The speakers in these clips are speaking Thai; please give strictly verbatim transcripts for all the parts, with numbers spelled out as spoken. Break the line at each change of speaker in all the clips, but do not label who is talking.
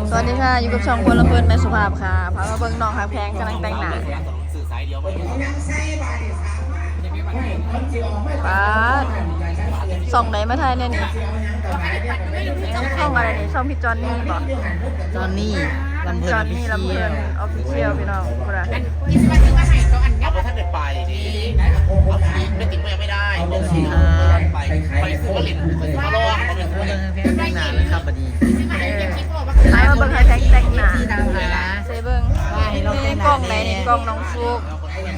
สวัสดีค่ะอยู่กับช่องคนละเพื่อนแม่สุภาพค่ะพามาเบิ่งน้องหักแพงกำลังแต่งหน้าป้าส่องไหนมาไทยเนี่ยนี่ช่องอะไรนี่ช่องพี่จอนนี่บอก
จอนนี่ลำเพลิ
จอน นนี่ลำเพลินออฟฟิเชียลพี่น้องพูดอะไร
เอาไปท่านเด็ดไปดีไม่ติดไม่ได้ลงสีไปไปซื้อลินไปซื้อมาลองไปซื้อ
เออเพลงแต่งหน้าเลยครับบัดนี้
ไอ้มาเบิ่งหักแพงแต่งหน้า
ที่ตามหา
เซเบิ่งนี่กล้องไหนนี่กล้องน้องฟุก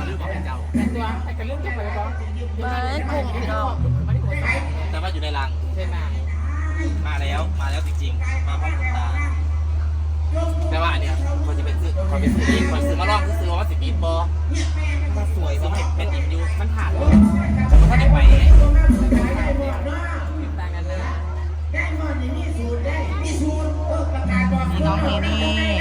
มากุ้งพี่น้อง
แต่ว่าอยู่ในรังมาแล้วมาแล้วจริงๆมาพร้อมตาแต่ว่าเนี่ยคนจะไปซื้อคนไปซื้อคนซื้อมาลองซื้อว่าสิบปีบอมาสวยสมัยเป็นอิมยูมันผ่านเลยถ้าได้ไป
น้องนี่นี่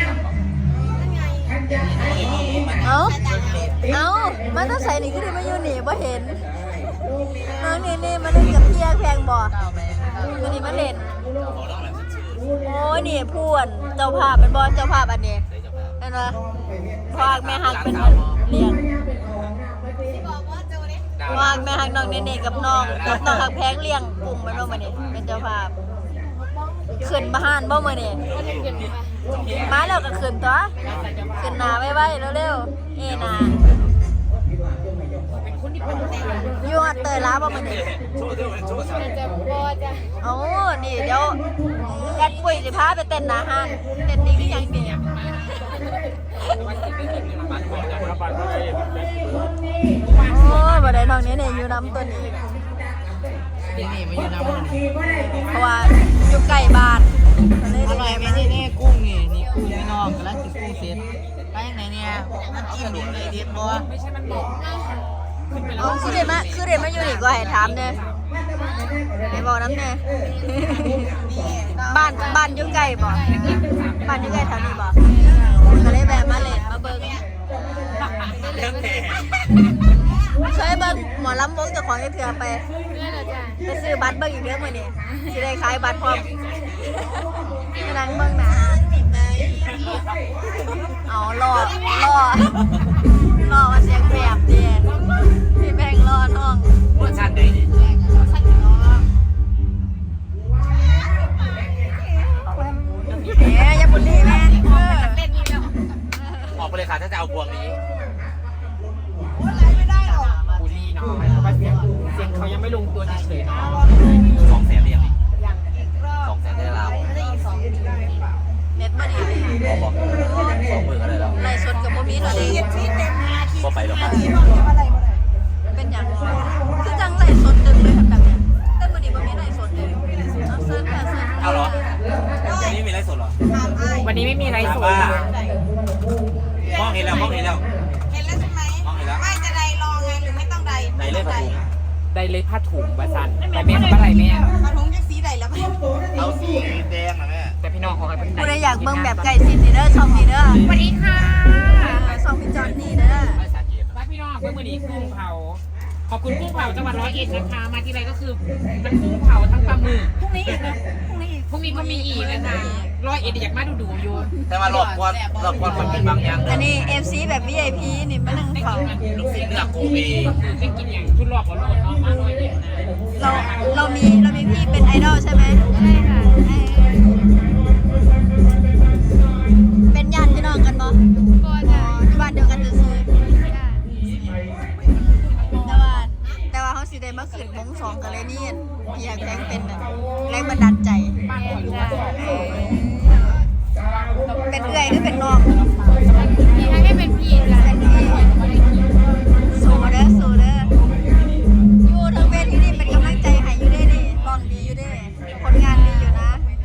เอ้าเอ้ามันต้องใส่นี่ก็ได้มาอยู่นี่บ่เห็นน้องนี่นี่มาเล่นกับพี่แพงบ่วันนี้มาเล่นโอ้ยนี่พูนเจ้าภาพเป็นบอลเจ้าภาพอันนี้เห็นไหมพากแม่ฮักเป็นเลี้ยงพากแม่ฮักน้องเนเน่กับน้องกับน้องฮักแพงเลี้ยงกลุ่มมันบ่มานี่เป็นเจ้าภาพขึ้นบ้านบ่มานี่มาแล้วก็ขึ้นตัวขึ้นหนาไว้ๆเร็วๆเอนาอยู่หัดเตยล้าบ่มานี่โอ้นี่เดี๋ยวแอดปุ้ยสิพาไปเต้นหน้าห้างเต้นดีคือหยังดีโอ้บ่ได้น้องนี้เนี่ยอยู่น้ำตัวนี้
นี่นี่มาอยู่น้ำมันนี่
เพราะว่าอยู่ใกล้บ้านเลย
อร่อยไหมนี่นี่กุ้งนี่นี่กุ้งพี่น้องกำลังกินกุ้งเสร็จไปยังไงเนี่ยมันจิ้มดิเลยเด็ดบ่
เอาคือเด็ดมาคือเด็ดมาอยู่นี่ก็ให้ถามเนี่ยให้บอกน้ำเนี่ยบ้านบ้านอยู่ใกล้บ่บ้านอยู่ใกล้แถวนี้บ่ก็เลยแวะมาเล่นมาเบิ่ง
เรื่องแผล
ช่วยเบิ่งหมอลำวงเจ้าของเถื่อไปไปซื้อบัตรเบิ่งอีกเด้อมื้อนี้สิได้ขายบัตรพร้อมกำลังเบิ่งหนาเอารอรอรอว่าเสียงแบบเดีพี่แบงรอน้อง
เวอร์ชันใดนี่
เอ๊ยอย่าบุลลี่แม่เออ
ออกไปเลยค่ะถ้าจะเอาพวงนี้
บูลลี่เนาะเพราะว่าเสียงเสียงเขายังไม่ลงตัวเฉยๆเนาะ
สองแสนเรียงสองแสนได้แล้ว
เน็ตบ่ดีเลย
บอกบอกสองหมื่นก็ได้แล้ว
ไล่สดกับบ่มีเท่าใด
ก็ไปแล้วครับ
เป็นหยังคือจังไล่สดตึงเลยแบบเนี้ยแต่บ่ดีบ่มีไล่สดเลยเอาเซิร์ชค่ะเซิร์ช
เอาเหรอวันนี้มีไรสดเหรอ
วันนี้ไม่มีไรสด
ว่ามองเห็นแล้วมองเห็นแล้ว
เห็นแล้วใช่ไหม
มองเห็นแล้ว
ไม่จะใดรองไงหรือไม่ต้องใด
ไหนเลยประตู
ได้เลยผ้าถุงวาซันแต่แม่เขาว่าอะไรแม่
กระทงจะสีใดแล้วไหม
เอาสีแดงนะแม่
แต่พี่น้องของใครเป็น
ผู้ใดอยากเบิ่งแบบไก่สินนี่เด้อช่องนี้เด้อ
สวัสดีค่ะ
ช่องพี่จอนนี่เด้อ
รักพี่น้องเพื่อนวันนี้กุ้งเผาขอบคุณกุ้งเผาจังหวัดร้อยเอ็ดนะคะมาที่ไรก็คือมันกุ้งเผาทั้งปลาหมึกพรุ่งนี้อีกนะพรุ่งนี้อีกพรุ่งนี้ก็มีอีกนะคะร้อยเอ็ดอยากมาดูดูอยู่
แต่ว่าหลอกกวนหลอกกวนคนเป็นบางอย่าง
อันนี้ เอฟ ซี แบบ วี ไอ พี นี่มานั่งเฝ้า
ลูกศิษย์เลือกโกเบ
ได้กินอย่างชุดรอบของโลดเนาะมาร้อยเอ็ดนะ
เราเรามีเรามีพี่เป็นไอดอลใช่ไหมใช่ค่ะเป็นญาติพี่น้องกันบ่ก็จะอยู่บ้านเดียวกันจะซื้อแต่ว่าแต่ว่าเขาสิได้มาขึ้นวงสองกันเลยนี่พี่อยากแจ้งเป็นน่ะแรงบันดาลใจเป็นเอื่อยหรือเป็นน้องพี่ให้เป็นพี่เป็นพี่สู้เด้อสู้เด้ออยู่ทั้งเวทีนี่เป็นกำลังใจให้อยู่ได้ดิร้องดีอยู่ได้ผลงานดีอยู่นะ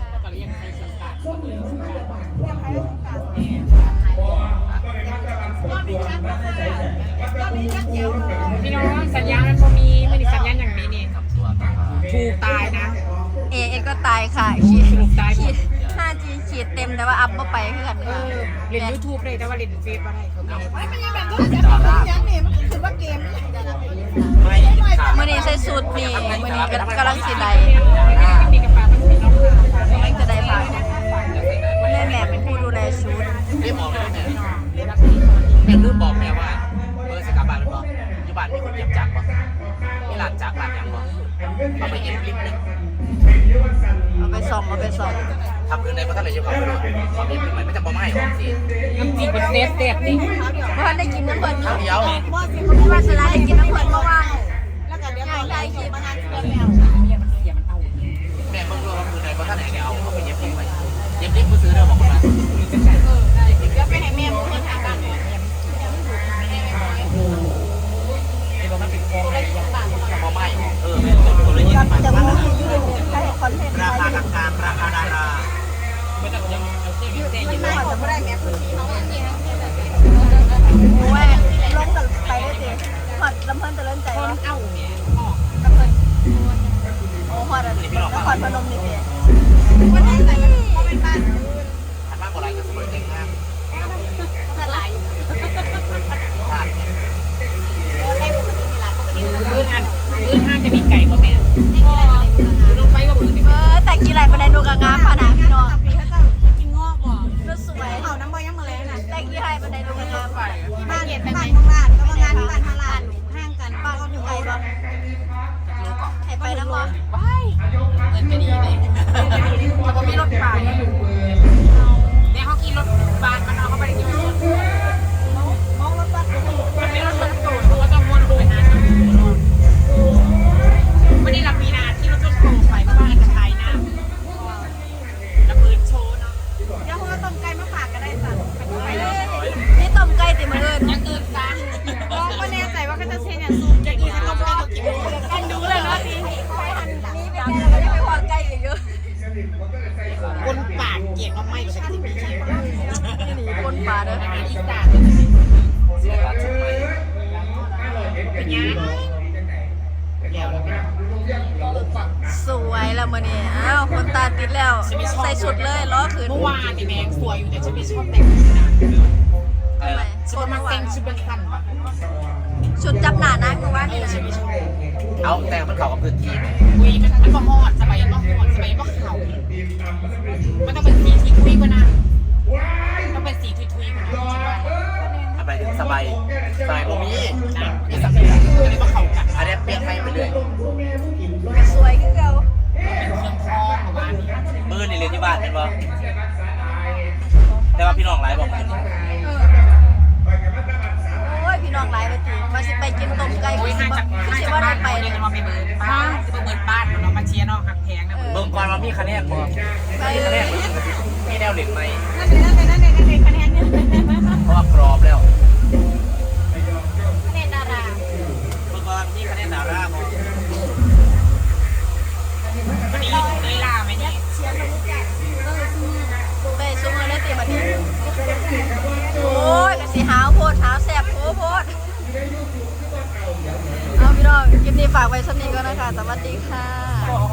พี่น้องสัญญาณมันพอมีไม่ได้สัญญาณอย่างนี้นี่ถูกตายนะ
เอเอก็ตายค่ะขีด
สรุปตายหม
ขี
ด
ด ห้าจี ขีดเต็มแต่ว่าอัพมาไปเพื่อน
เออเรียนยูทูบเลยแต่ว่าเรียนเฟซอะไรเขาไม่
ไม่เป็นแบบต้องจะยังเนี่ยมันคือว่าเกม
ไม่ค่ะ
มื่อนี้ใส่สูตรนี่มื่อนี้กำลังสีใด
มีกระเป๋ามันมีน้อง
กำลังจะได้ผ่านแม่แม่เป็น
แม่ลืมบอกแม่ว่าเบอร์สกาบานเป็นบอกอยู่บ้านมีคนเก็บจักรบ่มีหลานจักรหลานยังบ่เอาไปเอ็นลิฟต์นึง
เอาไปส่องเอาไปส่อง
ทำคืนในพระท่านเลยจะขอไปด้วยขอเอ็นลิฟต์ใหม่ไม่จะบอกไม่ให้ออกสิ
น้ำจิ้มเป็นเซฟเซฟดิ
เพราะได้กินน้ำเพลิน
ครั้งเดียว
บอสสิ
เพราะว่าสลายได้กินน้ำเพลินเพราะว่า
แล้วก็เดี๋ยวตอนได้คลิปมางานที่เดือนแล้ว
เมียมันเสียมันเอา
แม่เพิ่งรู้ว่าคืนในพระท่านไหนเนี่ยเอาเอาไปเย็บลิฟต์ใหม่เย็บลิฟต์มือซื้อเด้อบอกคนละ
เดี๋ยวไปให้แม่มึงคนทางบ้านเนี่ย
ไอ้บอกมันเป็นฟองอะไรอย่าง
จะบอกไม่เออเป็นคนละยี่สิบบาท
จะ
บ้าน
มู
ละ
ที่ยืนใช้คอนเทนต์
ราคากลางๆราคาดารา
ไม่ต้องยังเอาเสื้อยืดเส้น
มันไม่ผมไม่ได้แม่พื้นที่เขาเนี่ย
โอ้ยลงกันไปได้สิหอดลำเพลินจะเล่นใจ
คน
วะ
เอาเนี่ยออก
ลำเพลินโอ้หอดอะไรนครพนมนี่สิ
วันนี้ใส่มันเขาเป็นบ้าน
หันมาโบราณกับสมัยเด็กมาก
เท่าไหร่
พลาดเนี่ย
โอ้ให้ปกติมีหลานปกติมีหลาน
พื้นอันพื้นห้างจะมีไก่ป่ะแม่ลงไปว่าพื้น
เออแต่กี่ไรประเด็นดูกระงามขนาดพี่น้อง
ปีเขาจะกินงอกบ่
รถสวย
เขาน้ำบ่ยังมาแล้วน่ะ
แต่กี่ไรประเด็นดูกระงาม
บ้านบ้านเมืองลาดก็มางานที่บ้านทาลาดห้างกัน
บ้านอยู่ไกลบ่ให้ไปน้ำบ่
ว้ายเงินก็ดีเลยเขาบอกมีรถไฟเนี่ยเขาขี่รถบานมันเอาเข้าไปในที่สุด
มองรถบัส
มันไม่รถรถตูดเขาต้องวนไปหาน้ำวันนี้เรามีนาที่รถจนโผล่ไปเพราะว่าอันตรายนะแล้วพื้นโชว์เนาะ
เดี๋ยวเขาก็ต้มไก่มาฝากก็ได้สั่งไปเลย
นี่ต้มไก่ติมืออื่น
ยังอื่นกัน
ลองก็แน่ใจว่าเขาจะเช่นอย่างซูมจะกินต้มไก่เขากินกันดูเลยเนาะนี่
นี่เป็นไงเราก็ยังไปพอไก่อยู่เยอะ
คนปากเกลียดเอาไม่กับฉันที่มีเชียร์
นี่หนีปนปลาเด้อ
อาหารอีสาน
เสียการชุดใหม่
เป็นยังแล้วเราเป็น
สวยแล้วมื้อนี้อ้าวคนตาติดแล้ว ใส่ชุดเลยล้อขืน
เมื่อวานนี่แมงสวยอยู่แต่ฉันไม่ชอบแต่งชุดนะ
อะไรล่ะ
ฉันมาแต่งชุดเป็นสั้นปะ
ชุดจับหน้านะคือว่านี่
ฉันไม่ชอบ
เอาแต่มันเข้ากับพื้นที่ไหม
คุยมันมันก็ฮอดสบายก็ฮอดสบายก็เข่ามันต้องเป็นสีทุยทุยกว่านะต้องเป็นสีทุยทุยกว่านะใช่ไหม
อะไรถึงสบายสบายบ่มี
นะ
มีสักอย่าง
ก็เลยมาเข่ากัน
อันนี้เปลี่ยนไปไปเรื่อย
สวยคือเก่า
เป็นเครื่องทองประมาณนี้
มือนี่เรียนที่บ้านเป็นบ่แต่ว่าพี่น้องหลายบอกมือนี่
โอ้ยพี่น้องหลายไปทีมาสิไปกินต้มไก่
โอ้
คื
ย
อสิ
ห่าง
บ่
จาก
คือ
ห่าง
สิ
จาก
บ่ได้
บ้าน
ไป
ไป
เล
เลย ยจะมาไปเบิร์นบ้านจะมาเบิร์นบ้านเรามาเชียร์น้องหักแพงนะ
เบิ่งก่อนว่ามีคะแนนบ่
ไป
มี
เล
คะแน
ย
นมีแนวเหล็กไหม
นั่นเลยนั่นเลยนั่นเลยนั่นเลยคะแนนเนี่ย
เพราะว่ากรอบแล้ว
คะแนนดารา
เบิ่งก่อนมีคะแนนดาราบ่
วันนี้เลยลาไหมเนี่ย
ไปซุมื้อเลยติบัดนี้โอ้ยก็สิหาวโพดหาวแซ่บโพโพดเอาพี่น้องคลิปนี้ฝากไว้สำนี้ก่อนนะคะสวัสดีค่ะ